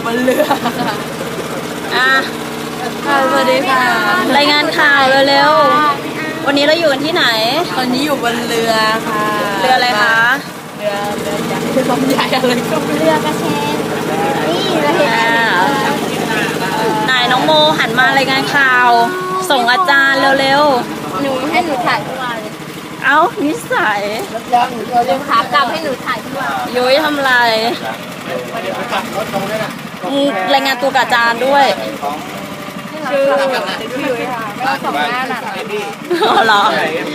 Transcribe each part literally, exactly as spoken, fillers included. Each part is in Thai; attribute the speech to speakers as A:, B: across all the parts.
A: บนเรือ
B: อ่ะ
A: สวัสดีค่ะ
B: รายงานข่าวเร็วๆวันนี้เราอยู่กันที่ไหน
A: ตอนนี้อยู่บนเรือค่ะ
B: เรืออะไรคะ
A: เรือเรือใหญ่เรือลำใหญ่อะไรก็ไม่
C: เรือกระเชนนี่เราเห็น
B: นายน้องโมหันมารายงานข่าว ส่งอาจารย์เร็ว
C: ๆหนูให้หนูถ่ายทุกวันเลย
B: เอ้านิสัย
C: เดี๋ยวขากลับให้หนูถ่ายทุกวัน
B: ยุ้ยทำไรรายงานตัวกับอาจารย์ด้วย
C: ชื่อชื่อยุ้ยค่ะก็สองหน้าหนัก
B: อ๋อเหรอ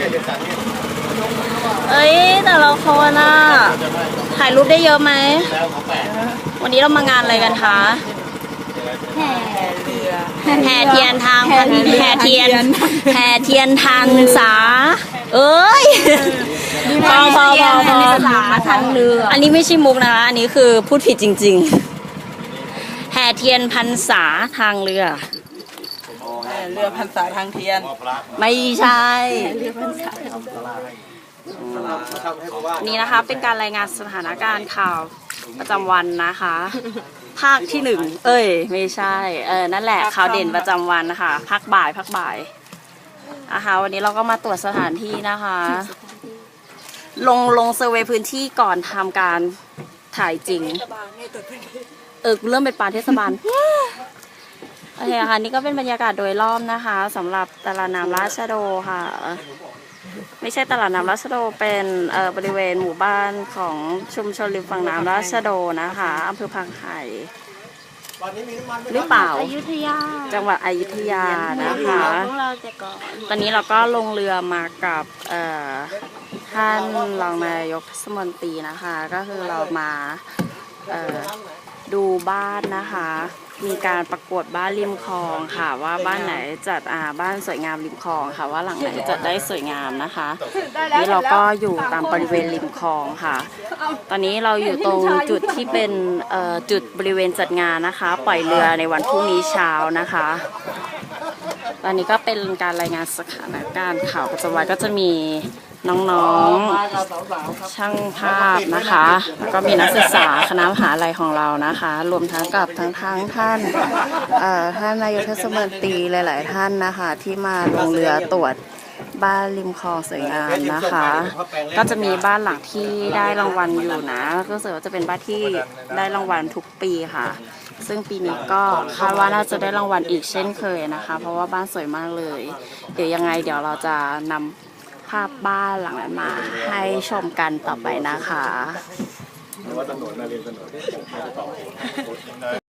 B: เอ้ยแต่เราคนน่ะถ่ายรูปได้เยอะไหมวันนี้เรามางานอะไรกันคะ
C: แห่
A: เรือ
B: แห่เทียนทางแห่เทียนแห่เทียนทางสาเอ้ยพอพอพอพอ
C: ทางเรือ
B: อันนี้ไม่ใช่มุกนะคะอันนี้คือพูดผิดจริงๆแห่เทียนพรรษาทางเรือ
A: เรือพรรษาทางเทียน
B: ไม่ใช่นี่นะคะเป็นการรายงานสถานการณ์ข่าวประจำวันนะคะภาคที่หนึ่งเอ้ยไม่ใช่เออนั่นแหละข่าวเด่นประจำวันนะคะภาคบ่ายภาคบ่ายนะคะวันนี้เราก็มาตรวจสถานที่นะคะลงลงเซอร์เวย์พื้นที่ก่อนทำการถ่ายจริงเออเริ่มเป็นปลาเทศบาลโอเคค่ะนี่ก็เป็นบรรยากาศโดยรอบนะคะสำหรับตลาดน้ำราชโดค่ะไม่ใช่ตลาดน้ำราชโดเป็นเอ่อบริเวณหมู่บ้านของชุมชนริมฝั่งน้ำราชโดนะคะอำเภอพังไห่หรือเปล่า
C: อยุธยา
B: จังหวัดอยุธยานะคะตอนนี้เราก็ลงเรือมากับท่านรองนายกเทศมนตรีนะคะก็คือเรามาดูบ้านนะคะมีการประกวดบ้านริมคลองค่ะว่าบ้านไหนจัดอ่าบ้านสวยงามริมคลองค่ะว่าหลังไหนจัดได้สวยงามนะคะนี่เราก็อยู่ตามบริเวณริมคลองค่ะตอนนี้เราอยู่ตรงจุดที่เป็นเอ่อจุดบริเวณจัดงานนะคะปล่อยเรือในวันพรุ่งนี้เช้านะคะตอนนี้ก็เป็นการรายงานสถานการณ์ข่าวประจำวันก็จะมีน้องๆช่างภาพนะคะแล้วก็มีนักศึกษาคณะมหาลัยของเรานะคะรวมทั้งกับทั้งทั้งท่านท่านนายกเทศมนตรีหลายๆท่านนะคะที่มาลงเรือตรวจบ้านริมคลองสวยงามนะคะก็จะมีบ้านหลังที่ได้รางวัลอยู่นะก็รู้สึกว่าจะเป็นบ้านที่ได้รางวัลทุกปีค่ะซึ่งปีนี้ก็คาดว่าน่าจะได้รางวัลอีกเช่นเคยนะคะเพราะว่าบ้านสวยมากเลยเดี๋ยวยังไงเดี๋ยวเราจะนำภาพบ้านหลังนั้นมาให้ชมกันต่อไปนะคะ